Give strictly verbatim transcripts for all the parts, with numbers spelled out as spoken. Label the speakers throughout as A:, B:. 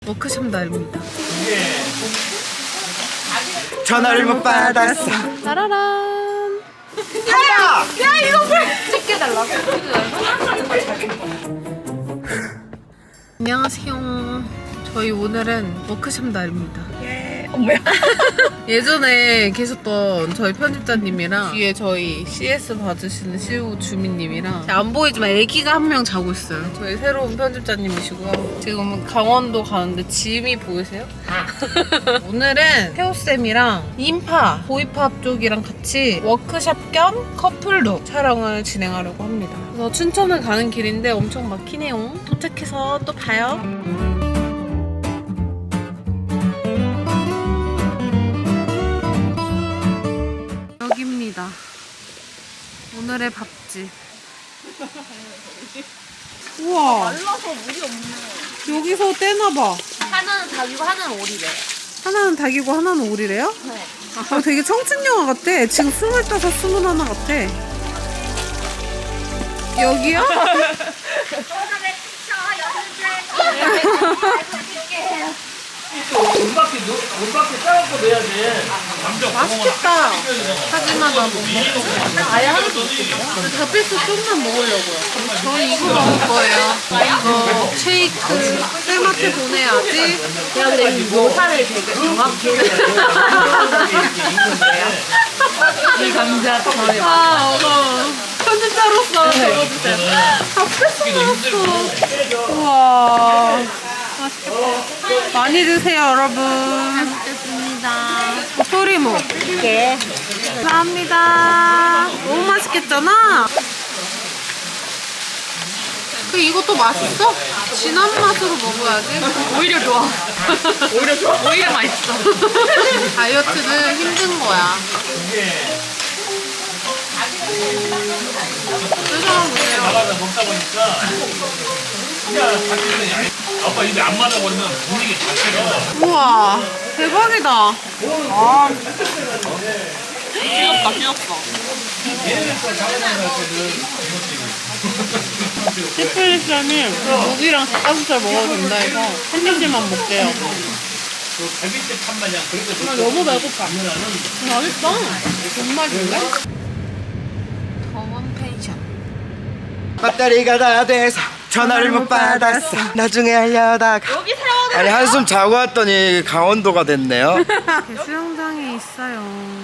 A: 워크숍 날입니다.
B: 전화를 못 받았어.
A: 따라란.
B: 야!
A: 야 이거 왜 찍게 달라고? 안녕하세요. 저희 오늘은 워크숍 날입니다.
B: 예. 어, 뭐야?
A: 예전에 계셨던 저희 편집자님이랑 뒤에 저희 씨에스 봐주시는 시우 주민님이랑 안 보이지만 애기가 한 명 자고 있어요. 저희 새로운 편집자님이시고요. 지금 강원도 가는데 짐이 보이세요? 오늘은 태호쌤이랑 인파, 보이팝 쪽이랑 같이 워크숍 겸 커플룩 촬영을 진행하려고 합니다. 그래서 춘천을 가는 길인데 엄청 막히네요. 도착해서 또 봐요. 여기입니다. 오늘의 밥집. 우와.
C: 말라서 물이 없네.
A: 여기서 떼나봐.
C: 하나는 닭이고 하나는 오리래.
A: 하나는 닭이고 하나는 오리래요?
C: 네.
A: 아, 되게 청춘 영화 같아. 지금 스물다섯, 스물하나 같아. 여기요?
D: 온바퀴 온바퀴 싸갖고 내야 돼.
A: 맛있겠다. 하지만 나 못 먹어.
C: 아예 하나도 없어.
A: 닭백숙 좀만 먹으려고요. 저는 이거 먹을 거예요. 이거 쉐이크 쌤한테 보내야지.
C: 내가 근데 이 묘사를 되게 정확히 이 감자 저의
A: 아, 어머. 편집자로서 적어주세요. 닭백숙 먹었어. 우와. 맛있겠다. 많이 드세요, 여러분.
C: 먹겠습니다.
A: 소리모.
C: 예.
A: 감사합니다. 너무 맛있겠잖아? 그 이것도 맛있어? 진한 맛으로 먹어야지.
C: 오히려 좋아. 오히려 좋아. 오히려 맛있어.
A: 다이어트는 힘든 거야. 표정 보세요.
D: 나가다 먹다 보니까 아빠 입에 안 맞아버리면 분위기 자체가
A: 우와, 대박이다. 아,
C: 귀엽다, 귀엽다.
A: 시플리쌤이 고기랑 닭가슴살 먹어도 된다 해서 한 입씩만 먹게요.
D: 그 갈비집 한 마냥 그렇게
A: 나 너무 배고파. 맛있어. 정말인데? 더원 펜션.
B: 배터리가 다 돼서 전화를 못 받았어. 나중에 하려다가
C: 여기 세워놓은
B: 아니 한숨 자고 왔더니 강원도가 됐네요.
A: 수영장이 있어요.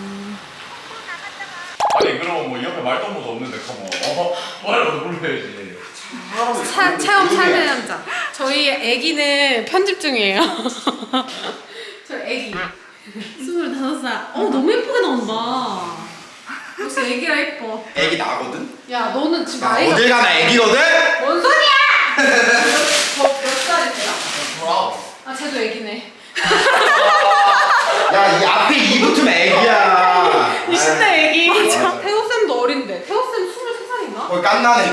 E: 아니 그러면 뭐 옆에 말동무도 없는데 그럼 어? 뭐라도 불러야지.
A: 차, 체험 참여 남자. 저희 애기는 편집 중이에요. 저 애기. 스물다섯 살. 어, 너무 예쁘게 나온다. 역시 애기라 예뻐.
B: 애기 나거든?
A: 야, 너는 지금
B: 나
A: 나이가
B: 어딜 가나 애기거든?
A: 뭔 소리야! 저 몇 살이세요?
B: 스물아홉.
A: 아, 쟤도 애기네.
B: 야, 이 앞에 이 붙으면 애기야.
A: 이십 대 애기. 맞아. 태호쌤도 어린데. 태호쌤 스물세 살인가?
B: 어, 깐나네.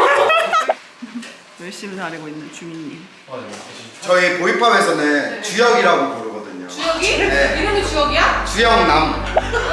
F: 열심히 다니고 있는 주민님.
B: 저희 보이팝에서는 주혁이라고 부르거든요.
A: 주혁이?
B: 네.
A: 이름이 주혁이야?
B: 주혁남.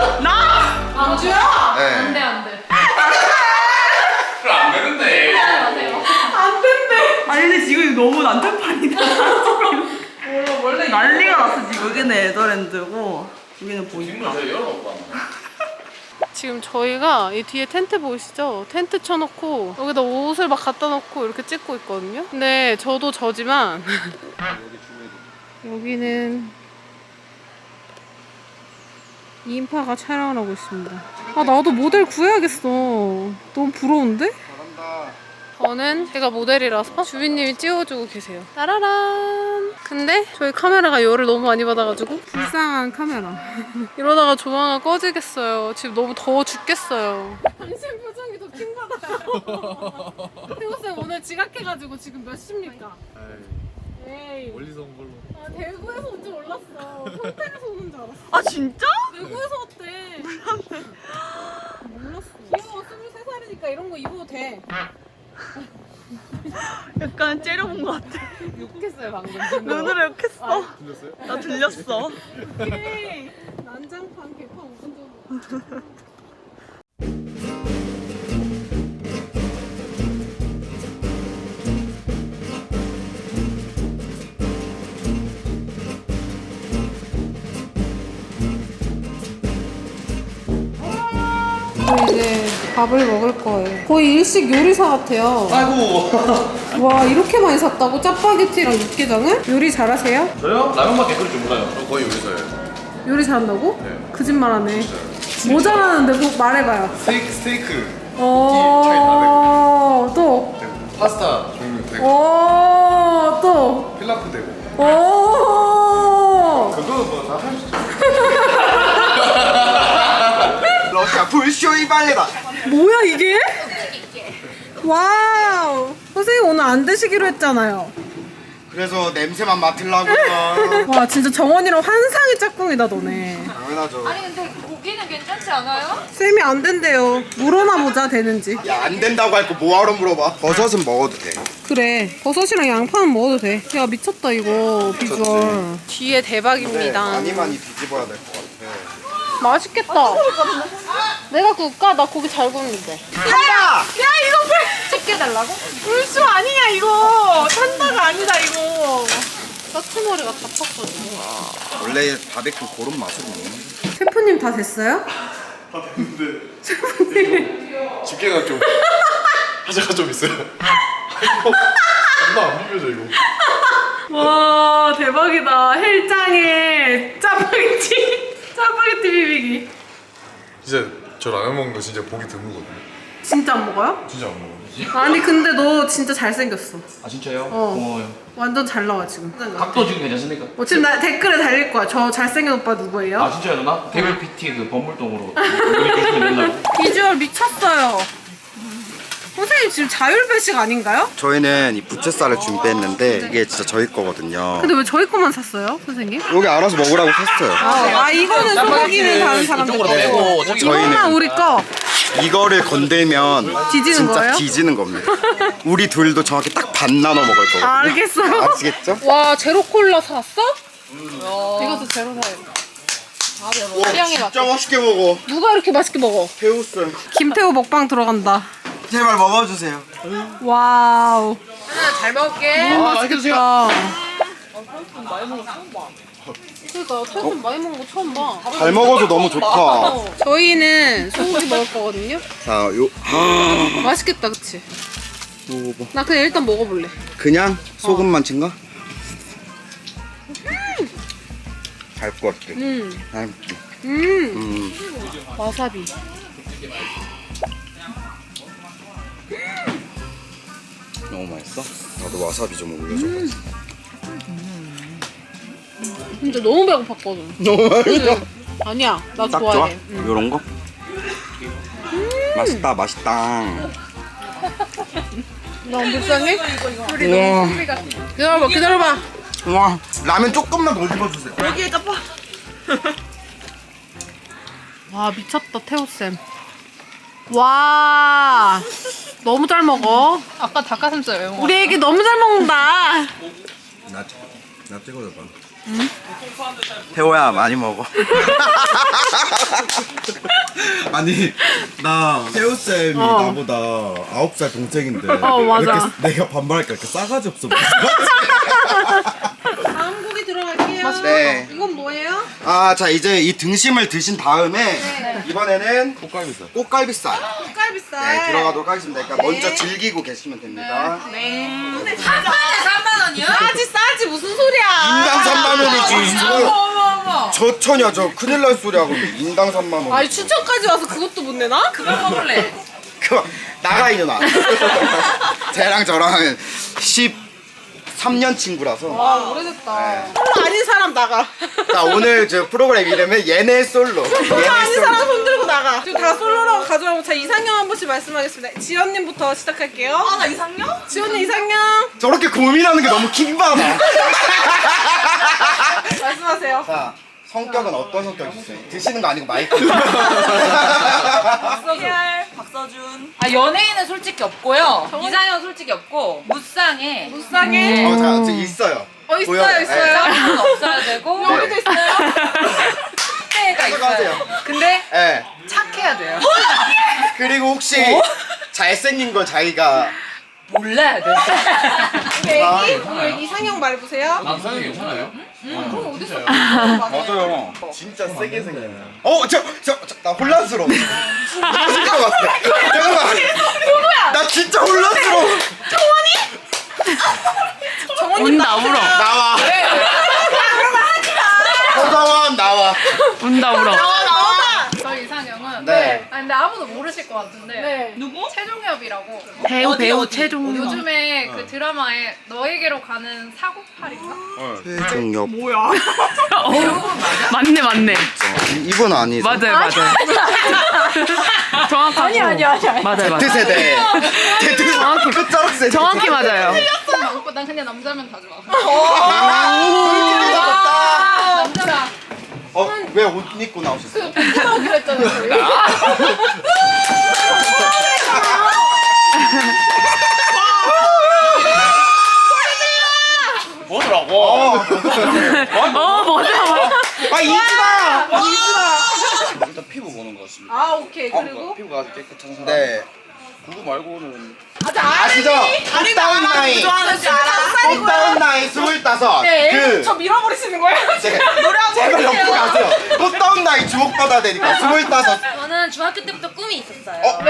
A: 남주혁?
B: 네.
A: 안 돼, 안 돼.
E: 그럼 안 되는데.
A: 안 된대.
F: 아니 근데 지금 너무 난장판이다.
A: 몰라, 원래
F: 난리가 났어 지금. 여기는 에더랜드고 여기는 보이팝.
E: 저 열어놓고 하면.
A: 지금 저희가 이 뒤에 텐트 보이시죠? 텐트 쳐놓고 여기다 옷을 막 갖다 놓고 이렇게 찍고 있거든요. 근데 저도 저지만 여기는 인파가 촬영을 하고 있습니다. 아, 나도 모델 구해야겠어. 너무 부러운데?
B: 잘한다.
A: 저는 제가 모델이라서 주빈님이 찍어주고 계세요. 따라란. 근데 저희 카메라가 열을 너무 많이 받아가지고 불쌍한 카메라. 이러다가 조만간 꺼지겠어요. 지금 너무 더워 죽겠어요. 당신 표정이 더 킹받아요. 태호쌤 오늘 지각해가지고 지금 몇 시입니까? 에이.
D: 멀리서 온 걸로.
A: 아, 대구에서 온 줄 몰랐어. 평택에서 오는 줄 알았어.
F: 아 진짜?
A: 대구에서 왔대. 몰랐어. 귀여워. 스물세 살이니까 이런 거 입어도 돼.
F: 약간 째려본 것 같아.
A: 욕했어요 방금.
F: 눈으로 욕했어.
D: 들렸어요?
F: 나 들렸어.
A: 오케이. 난장판 개판 오분 정도. 저 이제 밥을 먹을 거예요. 거의 일식 요리사 같아요.
B: 아이고.
A: 와, 이렇게 많이 샀다고? 짜파게티랑 육개장을? 요리 잘하세요?
E: 저요? 라면밖에 끓일 줄 몰라요. 저 거의 요리사예요.
A: 요리 잘한다고?
E: 네.
A: 거짓말하네. 뭐 잘하는데 뭐 말해봐요.
E: 스테이크, 스테이크.
A: 어, 또.
E: 되고, 파스타 종류 되고,
A: 어, 또.
E: 필라프 되고.
A: 오.
E: 그거는 뭐다 할 수 있죠.
B: 러시아 불쇼이 발레다.
A: 뭐야 이게? 와우. 선생님 오늘 안 드시기로 했잖아요.
B: 그래서 냄새만 맡으려고요.
A: 와, 진짜 정원이랑 환상의 짝꿍이다 너네.
B: 당연하죠.
C: 아니 근데 고기는 괜찮지 않아요?
A: 쌤이 안 된대요. 물어나 보자 되는지.
B: 야, 안 된다고 할 거 뭐하러 물어봐. 버섯은 먹어도 돼.
A: 그래, 버섯이랑 양파는 먹어도 돼. 야, 미쳤다 이거 비주얼. 뒤에 대박입니다.
B: 많이 많이 뒤집어야 될 것 같아.
A: 맛있겠다. 내가 구울까? 나 고기 잘 구우는데.
B: 야!
A: 야, 이거 불 찍게 달라고? 불쇼 아니야 이거. 산다가 아니다 이거. 까치머리가 다 탔거든.
B: 원래 바베큐 그런 맛으로 먹는 거야.
A: 셰프님 다 됐어요?
E: 다 됐는데. 집게가 좀. 하자가 좀 있어요. 이거 존나 안 비벼져, 이거.
A: 와, 대박이다. 헬장에 짜파게티. 짜파게티 비비기.
E: 진짜 저 라면 먹는 거 진짜 보기 드물거든요.
A: 진짜 안 먹어요?
E: 진짜 안 먹어요.
A: 아니 근데 너 진짜 잘생겼어.
G: 아 진짜요?
A: 어.
G: 고마워요.
A: 완전 잘 나와 지금.
G: 각도 지금 괜찮습니까?
A: 어, 지금 나 댓글에 달릴 거야. 저 잘생긴 오빠 누구예요?
G: 아 진짜요 누나? 개별 피티 그 범물동으로 연락주시면 된다고.
A: 비주얼 미쳤어요. 선생님 지금 자율배식 아닌가요?
B: 저희는 이 부채살을 준비했는데 이게 진짜 저희 거거든요.
A: 근데 왜 저희 것만 샀어요, 선생님?
B: 여기 알아서 먹으라고 샀어요.
A: 아, 아 이거는 소고기를 다른 사람들
G: 이쪽으로
A: 거.
G: 빼고 저기
A: 이거만
B: 저희는-
A: 우리 거.
B: 이거를 건들면
A: 뒤지는
B: 진짜
A: 거예요?
B: 뒤지는 겁니다. 우리 둘도 정확히 딱 반 나눠 먹을 거거든요.
A: 아, 알겠어요.
B: 아시겠죠?
A: 와, 제로 콜라 샀어? 이것도 제로 사야 돼.
B: 와, 진짜 맛있게 먹어.
A: 누가 이렇게 맛있게 먹어?
B: 배웠어요.
A: 김태호 먹방 들어간다.
B: 제발 먹어주세요.
A: 와우. 잘 먹을게. 너무 맛있겠다. 그러니까 태훈 많이 먹는 거 처음 봐.
B: 잘 먹어서 너무 좋다.
A: 저희는 소고기 먹을 거거든요.
B: 자, 요 아,
A: 맛있겠다, 그치?
B: 먹어봐.
A: 나 그냥 일단 먹어볼래.
B: 그냥 소금만 친가? 갈 것 같아.
A: 음,
B: 음.
A: 음,
B: 음.
A: 와사비.
B: 너무 맛있어? 나도 와사비 좀 올려줘.
A: 근데 너무 배고팠거든.
B: 너무 맛있어.
A: 아니야, 나
B: 딱 좋아?
A: 좋아해. 응.
B: 요런 거? 맛있다, 맛있다.
A: 너무 불쌍해?
B: 우와,
A: 기다려봐, 기다려봐.
B: 우와. 라면 조금만 더 집어주세요.
F: 여기에 짜파.
A: 와, 미쳤다, 태호쌤. 와, 너무 잘 먹어.
C: 아까 닭가슴살 왜 먹어?
A: 우리 애기 너무 잘 먹는다.
B: 나, 나 찍어줘봐. 응? 태호야, 많이 먹어. 아니, 나 태호쌤이
A: 어.
B: 나보다 아홉 살 동생인데
A: 어, 맞아.
B: 왜 이렇게 내가 반말할까 이렇게 싸가지 없어 보여.
A: 다음 고기 들어갈게요.
B: 네.
A: 이건 뭐예요?
B: 아, 자 이제 이 등심을 드신 다음에 이번에는
E: 꽃갈비살.
B: 꽃갈비살
A: 쌀비쌀.
B: 네, 들어가도록 하겠습니다. 그러니까 먼저 즐기고 계시면 됩니다.
A: 근데 삼만 원이요? 싸지 싸지 무슨 소리야?
B: 인당 삼만 원이지.
A: 어머
B: 이거
A: 어머 어머.
B: 저 처냐 저 큰일 날 소리 하고 있는데 인당 삼만 원.
A: 아니 추천까지 와서 그것도 못 내나? 그거 먹을래.
B: 그만 나가 이년아. 쟤랑 저랑 십삼 년 친구라서.
A: 와 오래됐다. 솔로 아닌 사람 나가.
B: 자 오늘 저 프로그램 이름은 얘네 솔로.
A: 솔로
B: 얘네
A: 아닌 사람
B: 솔로.
A: 손 들고 나가. 지금 다 솔로라고 가져가고 자 이상형 한 번씩 말씀하겠습니다. 지연님부터 시작할게요. 아 나 이상형? 지연님 이상형.
B: 저렇게 고민하는 게 너무 킹받아.
A: 말씀하세요.
B: 자 성격은 어떤 성격이세요? 드시는 거 아니고 마이크.
F: 피알 박서준.
C: 아 연예인은 솔직히 없고요. 이상형 솔직히 없고 무쌍해.
A: 무쌍해.
B: 어, 자, 저 있어요.
A: 어 있어요
B: 보여요.
A: 있어요.
C: 쌍은 없어야 되고
A: 여기도 있어요.
C: 때가 있어요.
B: 들어가세요.
C: 근데
B: 네.
C: 착해야 돼요.
B: 그리고 혹시 잘생긴 걸 자기가
C: 몰라야 돼.
A: 오늘 이상형 말해보세요.
E: 남성이 괜찮아요?
B: 맞아요. 진짜 세게 생겼네. 어, 저, 저, 저, 나 혼란스러워. 잠깐만. 잠깐만. 누구야? 나 진짜 혼란스러워.
F: 운다 울어.
B: 나와. 서정원 나와.
F: 운다 울어.
H: 저희 이상형은
B: 네.
H: 아 근데 아무도 모르실 것 같은데
A: 네.
F: 누구?
H: 최종엽이라고
F: 배우 배우 최종.
H: 요즘에 그 드라마에 너에게로 가는 사고팔인가?
B: 최종엽.
F: 뭐야? 맞네 맞네.
B: 이분 아니죠?
F: 맞아요 맞아요. 정확하고. 아니 아니 아니. 맞아요 맞아요.
B: Z세대. Z
F: 정확히
B: 끝자락 세대.
F: 정확히 맞아요.
H: 오빠 난 그냥 남자면 다 좋아.
B: 아,
H: 남자가
B: 어, 왜 옷 입고 나오셨어요?
H: 하라고 그랬잖아요. 저희.
E: 뭐더라고?
B: 어,
F: 어 뭐야?
B: 아 이지다.
G: 일단 피부 보는 것 같습니다.
A: 아 오케이 그리고
G: 피부가 아주 깨끗한 사람.
B: 네.
G: 그거 말고는
B: 아시죠? 꽃다운 나이. 꽃다운 나이 스물다섯. 그.
A: 저 밀어버리시는 거예요?
B: 네. 제발 옆으로 가세요. 꽃다운 나이 주목받아야 되니까 스물다섯.
I: 저는 중학교 때부터 꿈이 있었어요.
B: 어?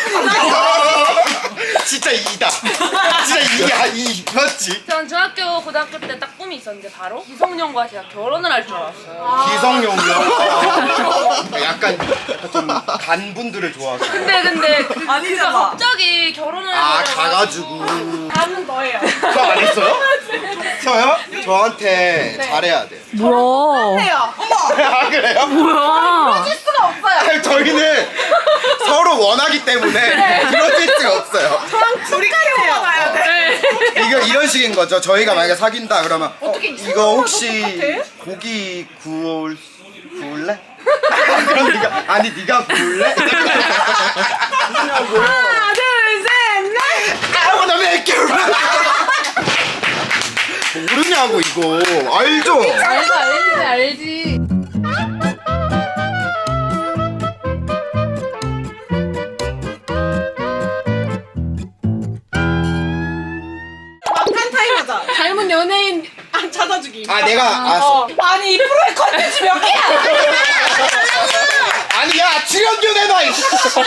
B: 진짜 이다. 진짜 이야 이 맞지?
I: 전 중학교, 고등학교 때 딱 꿈이 있었는데 바로 이성년과 제가 결혼을 할 줄 알았어요.
B: 기성용이요. 약간 좀 간분들을 좋아하시는.
I: 근데 근데 그, 그가
F: 아니잖아.
I: 갑자기 결혼을
B: 아
I: 해버려가지고
B: 가가지고.
A: 다음은 너예요.
B: 저 안 했어요? 저요? 저한테 잘해야 돼요.
F: 뭐야?
A: 해요.
B: 아 그래요?
F: 뭐야?
A: 수가 없어요.
B: 아니, 저희는 서로 원하기 때문에 그러질 수가 없어요.
A: 둘이 키워봐야 돼.
B: 이거 이런 식인 거죠. 저희가 만약에 사귄다 그러면 어,
A: 어떻게
B: 이거 혹시 고기 구울 구울래? 그럼 네가 아니 네가 구울래?
A: 하나 둘셋 넷.
B: 아무나 몇 모르냐고 이거 알죠?
H: 알지 알지 알지.
A: 막판 타임 하자. 닮은 연예인 안 찾아주기.
B: 아 내가 알았어.
A: 어. 아니 이 프로의 컨텐츠 몇 개야?
B: 아니 야 출연료 내놔 이씨.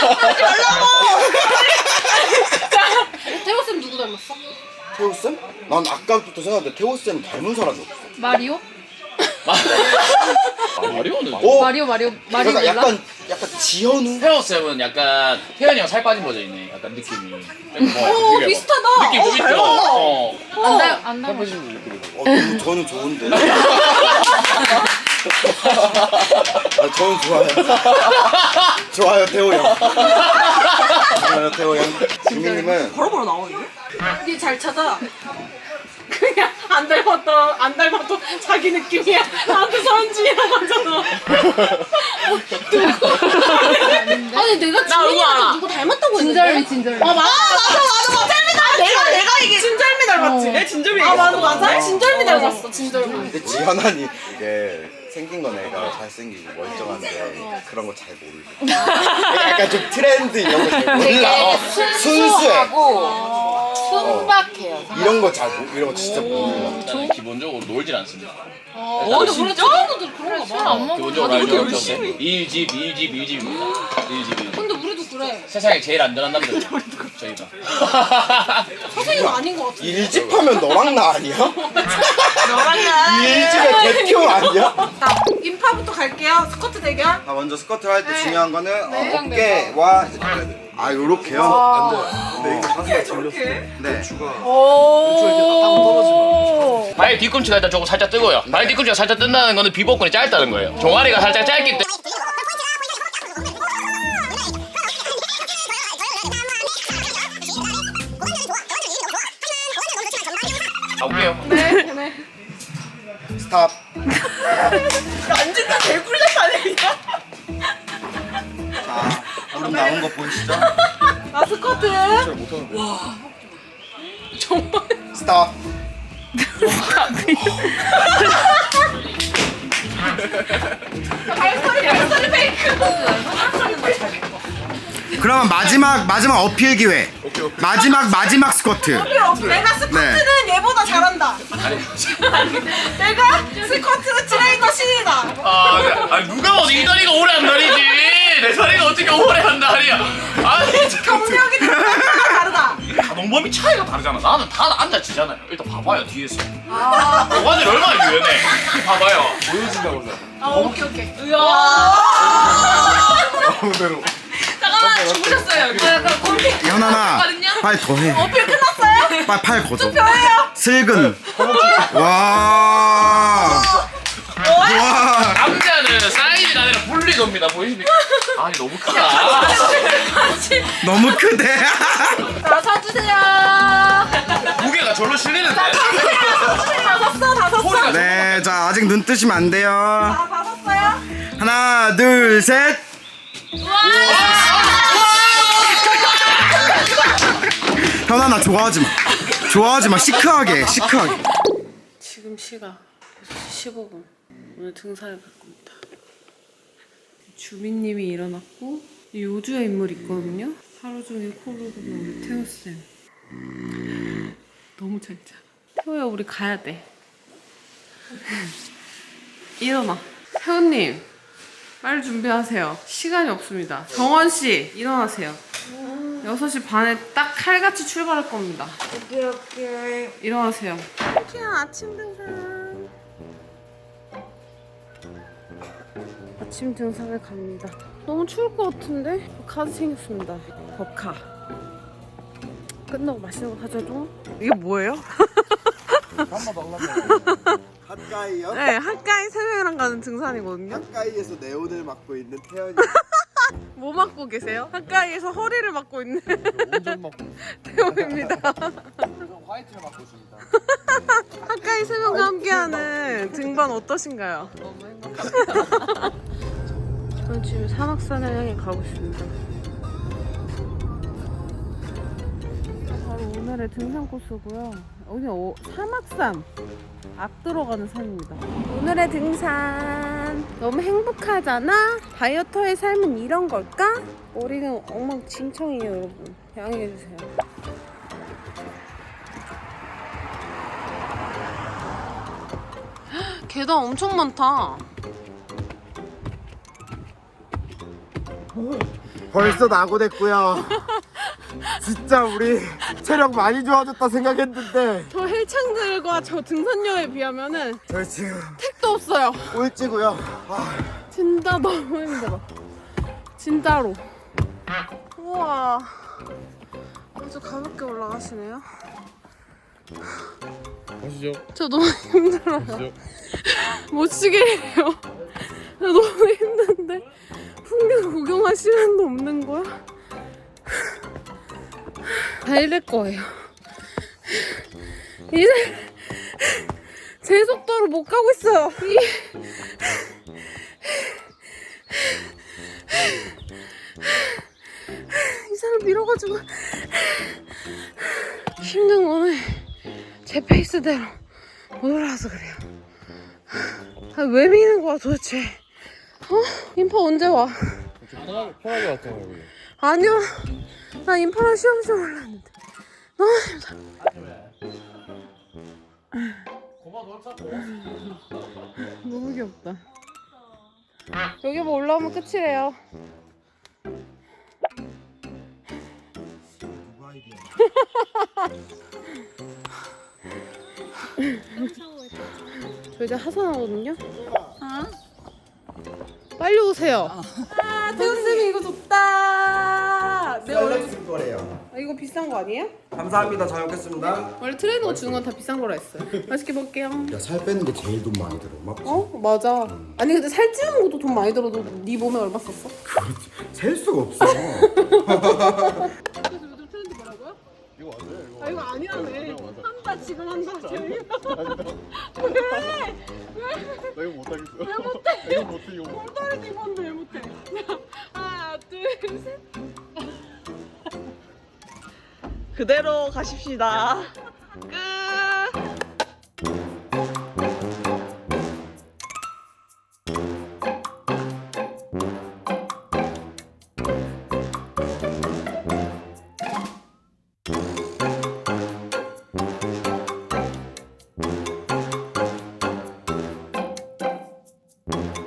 H: 태호 쌤 누구 닮았어?
B: 태호 쌤? 난 아까부터 생각했는데 태호 쌤 닮은 사람이 없어.
H: 마리오?
E: 마리오는
B: 어?
H: 마리오 마리오 마리오
B: 그러니까
H: 몰라?
B: 약간 약간 지현우.
G: 태호쌤은 약간 태현이 형 살 빠진 버전이네. 약간 느낌이. 오
A: 비슷하다.
G: 느낌 좀 있죠? 어.
H: 안 닮, 안 닮았어.
B: 어, 저는, 저는 좋은데. 아, 저는 좋아요. 좋아요, 태호 형. 좋아요, 태호 형. 주민님은
F: 바로바로 나오는데?
A: 니 잘 찾아. 그냥 안 닮았다 안 닮았다 자기 느낌이야. 나한테 서현진이라고 하잖아. 아니 내가 주민이한테 누구 닮았다고 했는데?
H: 진절미 진절미.
A: 아 맞아 맞아 맞아 맞아. 아, 내가 내가 이게 진절미 닮았지.
F: 내 진점이.
A: 아 맞아 맞아. 진절미 닮았어 진절미.
B: 근데 지현아니 이게 생긴 건 애가 잘생기고 멀쩡한데 그런 거 잘 모르고 약간 좀 트렌드 이런 거 잘 몰라. 어, 순수해.
C: 순수하고 순박해요.
B: 이런 거 잘 모르 이런 거 진짜 몰라.
G: 저는 기본적으로 놀질 않습니다.
C: 어, 근데 우리 친구들 그런가 봐.
G: 기본적으로 알죠? 일집, 일집, 일집입니다. 일집, 일집.
H: 근데 우리도 그래.
G: 세상에 제일 안전한 남자죠. 저희가.
A: 선생님 아닌 것 같아.
B: 일집하면 너랑 나 아니야?
A: 너랑 나.
B: 일집의 대표 아니야?
A: 자 인파부터 갈게요. 스쿼트 대결.
B: 아 먼저 스쿼트를 할 때
A: 네.
B: 중요한 거는
A: 네.
B: 어, 어깨와 아 요렇게요? 안 돼요. 근데 이거 가슴에
A: 저렇게.
B: 네.
A: 오.
G: 발 뒤꿈치가 일단 조금 살짝 뜨고요. 발 뒤꿈치가 살짝 뜬다는 거는 비복근이 짧다는 거예요. 종아리가 살짝 짧기 때문에. 가볼게요.
B: 스탑.
F: 앉으면 개꿀잼 아니야?
B: 자 무릎 나온 거 보이시죠?
A: 나 스쿼트.
B: 스탑.
A: 발소리 발소리 페이크.
B: 그러면 마지막 마지막 어필 기회.
E: 오케이
B: 마지막 마지막 스쿼트.
F: 내가 스쿼트는
B: 네.
F: 얘보다 잘한다. 내가 스쿼트 트레이너 신이다.
G: 아, 네. 아니 누가 어디 이 다리가 오래 한 다리지? 내 다리가 어떻게 오래 한 다리야? 아니 진짜
F: 경력이 다르다.
G: 가동범위 차이가 다르잖아. 나는 다 앉아지잖아요. 일단 봐봐요 뒤에서. 고관절 얼마나 유연해. 봐봐요.
B: 보여준다고 서
F: 아 오케이 오케이.
B: 아무대로.
C: 잠깐만 주무셨어요 여기.
F: 약간 곰피.
B: 현아나 빨리 더 해.
F: 어필 끝났어요?
B: 빨리 팔 걷어.
F: 저예요.
B: 슬근. 와. 와.
G: 남자는 사이즈가 아니라 분리도입니다. 보이십니까? 아니 너무 크다.
B: 너무 크대.
F: 자 서주세요.
G: 무게가 절로 실리는데.
F: 다 섰어 다 섰어.
G: 소리가
B: 네, 자 아직 눈 뜨시면 안 돼요.
F: 다 섰어요?
B: 하나, 둘, 셋. 현아 나 좋아하지 마. 좋아하지 마. 시크하게, 시크하게.
A: 지금 시각 여섯 시 십오 분. 오늘 등산을 갈 겁니다. 주민님이 일어났고 이 요주의 인물이 있거든요. 하루 종일 코를 고는 우리 태호쌤. 너무 잘 자. 태호야 우리 가야 돼. 일어나. 태호님 빨리 준비하세요. 시간이 없습니다. 정원씨 일어나세요. 여섯 시 반에 딱 칼같이 출발할 겁니다.
F: 오케이 오케이.
A: 일어나세요. 그냥 아침 등산. 아침 등산을 갑니다. 너무 추울 것 같은데? 카드 챙겼습니다. 법카. 끝나고 맛있는 거 사줘도? 이게 뭐예요?
B: 핫가이요?
A: 네, 핫가이 세 명이랑 가는 등산이거든요.
B: 핫가이에서 네온을 맡고 있는 태연이.
A: 뭐 맡고 계세요? 핫가이에서 허리를 맡고 있는
B: 온전 맡고.
A: 태호입니다.
B: 화이트를 맡고 있습니다.
A: 핫가이 세 명과 함께하는 등반 어떠신가요? 너무 행복합니다. 저는 지금 산악산을 향해 가고 있습니다. 바로 오늘의 등산 코스고요. 여기는 오, 사막산 앞 들어가는 산입니다. 오늘의 등산 너무 행복하잖아? 다이어터의 삶은 이런 걸까? 머리는 엉망진창이에요 여러분. 양해해주세요. 계단 엄청 많다.
B: 벌써 낙오됐고요. 진짜 우리 체력 많이 좋아졌다 생각했는데
A: 저 헬창들과 저 등산녀에 비하면은
B: 저 지금
A: 택도 없어요.
B: 꼴찌고요. 아,
A: 진짜 너무 힘들어. 진짜로. 우와. 아주 가볍게 올라가시네요.
E: 가시죠.
A: 저 너무 힘들어요. 못 쉬겠네요. 나 너무 힘든데 풍경 구경할 시간도 없는 거야? 달릴 거예요. 이제 제 속도로 못 가고 있어요. 이, 이 사람 밀어가지고 힘든 거는 제 페이스대로 못 올라와서 그래요. 아, 왜 미는 거야 도대체? 어? 인파 언제 와?
E: 편하게 편하게 왔잖아요 여기.
A: 아니요. 나 인파랑 시험시험 올랐는데 너무 힘들어. 너무 귀엽다. 여기 뭐 올라오면 끝이래요. 저 이제 하산하거든요. 빨리 오세요. 아, 태훈쌤이 이거 좋다. 내 얼굴.
B: 쓸 거래요.
A: 아, 이거 비싼 거 아니에요?
B: 감사합니다. 잘 먹겠습니다.
A: 원래 트레이너가 주는 건 다 비싼 거라 했어요. 맛있게 먹을게요.
B: 야, 살 빼는 게 제일 돈 많이 들어. 맞지?
A: 어? 맞아. 아니 근데 살찌는 것도 돈 많이 들어도 네 몸에 얼마 썼어?
B: 그렇지. 셀 수가 없어.
A: 그래서 요즘 트렌드 뭐라고요? 이거 맞아요. 이거 아 이거 아니라네. 한다 지금 한다 지금. 왜? 왜?
E: 나 이거 못하겠어.
A: 왜 못해?
E: 이거 못해 이거 못해.
A: 다른 입었는데 왜 못해? 하나 둘 셋.
F: 그대로 가십시다. 끝.
A: 아